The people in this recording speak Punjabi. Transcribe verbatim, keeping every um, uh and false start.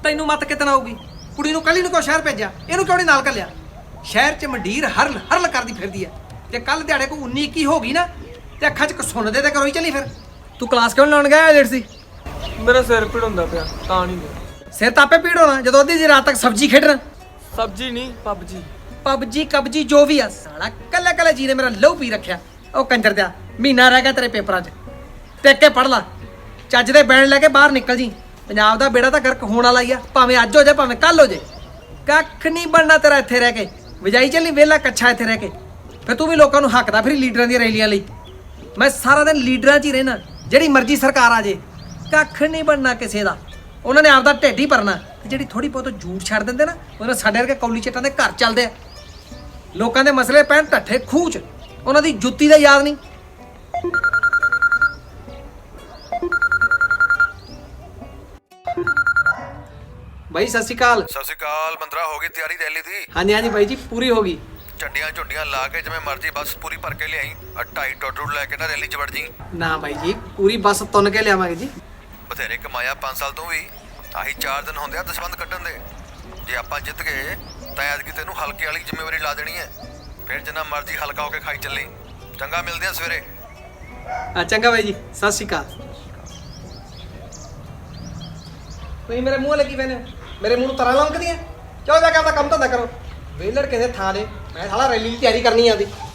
ਤੈਨੂੰ ਮਤ ਕਿਤਨਾ ਆਊਗੀ? ਕੁੜੀ ਨੂੰ ਕੱਲੀ ਨੂੰ ਕਿਉਂ ਸ਼ਹਿਰ ਭੇਜਿਆ? ਇਹਨੂੰ ਕਿਉਂ ਨਹੀਂ ਨਾਲ ਕੱਲਿਆ? ਸ਼ਹਿਰ 'ਚ ਮੰਡੀਰ ਹਰਲ ਹਰਲ ਕਰਦੀ ਫਿਰਦੀ ਐ। ਤੇ ਕੱਲ ਦਿਹਾੜੇ ਕੋਈ ਉੱਨੀ ਇੱਕੀ ਹੋ ਗਈ ਨਾ ਤੇ ਅੱਖਾਂ 'ਚ ਸੁਣ ਦੇ ਤੇ ਕਰੋ ਹੀ ਚੱਲੀ। ਫਿਰ ਤੂੰ ਕਲਾਸ ਕਿਉਂ ਲਾਉਣ ਗਿਆ ਲੇਟ ਸੀ? ਮੇਰਾ ਸਿਰ ਪੀੜ ਹੁੰਦਾ ਪਿਆ ਤਾਂ ਨਹੀਂ ਗਿਆ। ਸਿਰ ਤਾਪੇ ਪੀੜ ਹੋਣਾ ਜਦੋਂ ਅੱਧੀ ਜੀ ਰਾਤ ਤੱਕ ਸਬਜ਼ੀ ਖੇਡਣਾ। ਸਬਜ਼ੀ ਨਹੀਂ ਪਬਜੀ। ਪਬਜੀ ਕਬਜੀ ਜੋ ਵੀ ਆ ਸਾਲਾ ਕੱਲੇ ਕੱਲੇ ਜੀ ਨੇ ਮੇਰਾ ਲਹੂ ਪੀ ਰੱਖਿਆ। ਉਹ ਕੰਜਰ ਦਿਆ ਮਹੀਨਾ ਰਹਿ ਗਿਆ ਤੇਰੇ ਪੇਪਰਾਂ 'ਚ। ਟਿਕ ਕੇ ਪੜ ਲਾ, ਚੱਜ ਦੇ ਬੈਂਡ ਲੈ ਕੇ ਬਾਹਰ ਨਿਕਲ ਜੀ। ਪੰਜਾਬ ਦਾ ਬੇੜਾ ਤਾਂ ਗਰਕ ਹੋਣ ਵਾਲਾ ਹੀ ਆ, ਭਾਵੇਂ ਅੱਜ ਹੋ ਜਾਏ ਭਾਵੇਂ ਕੱਲ ਹੋ ਜਾਏ। ਕੱਖ ਨਹੀਂ ਬਣਨਾ ਤੇਰਾ ਇੱਥੇ ਰਹਿ ਕੇ। ਵਜਾਈ ਚੱਲੀ ਵਿਹਲਾ ਕੱਛਾ ਇੱਥੇ ਰਹਿ ਕੇ। ਫਿਰ ਤੂੰ ਵੀ ਲੋਕਾਂ ਨੂੰ ਹੱਕਦਾ ਫਿਰ ਲੀਡਰਾਂ ਦੀਆਂ ਰੈਲੀਆਂ ਲਈ। ਮੈਂ ਸਾਰਾ ਦਿਨ ਲੀਡਰਾਂ 'ਚ ਹੀ ਰਹਿਣਾ, ਜਿਹੜੀ ਮਰਜ਼ੀ ਸਰਕਾਰ ਆ ਜੇ। ਕੱਖ ਨਹੀਂ ਬਣਨਾ ਕਿਸੇ ਦਾ। ਉਹਨਾਂ ਨੇ ਆਪਦਾ ਢਿੱਡ ਹੀ ਭਰਨਾ। ਤੇ ਜਿਹੜੀ ਥੋੜੀ ਬਹੁਤ ਝੂਠ ਛੱਡ ਦਿੰਦੇ ਨਾ, ਉਹਨਾਂ ਸਾਡੇ ਵਰਗੇ ਕੌਲੀ ਚੱਟਾਂ ਦੇ ਘਰ ਚੱਲਦੇ ਆ। ਲੋਕਾਂ ਦੇ ਮਸਲੇ ਪੈਣ ਢੱਠੇ ਖੂਹ 'ਚ, ਉਹਨਾਂ ਦੀ ਜੁੱਤੀ ਦਾ ਯਾਦ ਨਹੀਂ। ਬਾਈ ਸਤਿ ਸ਼੍ਰੀ ਅਕਾਲ। ਸਤਿ ਸ਼੍ਰੀ ਅਕਾਲ। ਮੰਦਰਾ ਹੋ ਗਈ ਤਿਆਰੀ ਰੈਲੀ ਦੀ? ਹਾਂਜੀ ਹਾਂਜੀ ਬਾਈ ਜੀ ਪੂਰੀ ਹੋ ਗਈ। ਝੰਡੀਆਂ ਝੁੰਡੀਆਂ ਲਾ ਕੇ ਜਿਵੇਂ ਮਰਜ਼ੀ ਬੱਸ ਪੂਰੀ ਭਰ ਕੇ ਲਿਆਈ। ਆ ਢਾਈ ਟੋਟਰੂ ਲੈ ਕੇ ਨਾ ਰੈਲੀ 'ਚ ਵੜ ਜੀ। ਨਾ ਬਾਈ ਜੀ ਪੂਰੀ ਬੱਸ ਤੁੰਨ ਕੇ ਲਿਆਵਾਂਗੇ ਜੀ। ਬਥੇਰੇ ਕਮਾਇਆ ਪੰਜ ਸਾਲ ਤੋਂ ਵੀ। ਆਹੀ ਚਾਰ ਦਿਨ ਹੁੰਦੇ ਆ ਦਸਵੰਧ ਕੱਢਣ ਦੇ। ਜੇ ਆਪਾਂ ਜਿੱਤ ਗਏ ਤਾਂ ਐਤਕੀ ਤੈਨੂੰ ਹਲਕੇ ਵਾਲੀ ਜ਼ਿੰਮੇਵਾਰੀ ਲਾ ਦੇਣੀ ਹੈ। ਫਿਰ ਜਿੰਨਾ ਮਰਜ਼ੀ ਹਲਕਾ ਹੋ ਕੇ ਖਾਈ ਚੱਲੀ। ਚੰਗਾ, ਮਿਲਦੇ ਆ ਸਵੇਰੇ। ਆ ਚੰਗਾ ਬਾਈ ਜੀ, ਸਤਿ ਸ਼੍ਰੀ ਅਕਾਲ। ਤੁਸੀਂ ਮੇਰੇ ਮੂੰਹ ਲੱਗੀ ਪੈਨੇ ਹੋ, ਮੇਰੇ ਮੂੰਹ ਨੂੰ ਤਰਾਂ ਲੰਕਦੀਆਂ। ਚਲੋ ਜਾ ਕੇ ਆਪਦਾ ਕੰਮ ਧੰਦਾ ਕਰੋ। ਵੇਲੜ ਕਿਸੇ ਥਾਂ ਦੇ। ਮੈਂ ਸਾਲਾ ਰੈਲੀ ਦੀ ਤਿਆਰੀ ਕਰਨੀ ਆਦੀ।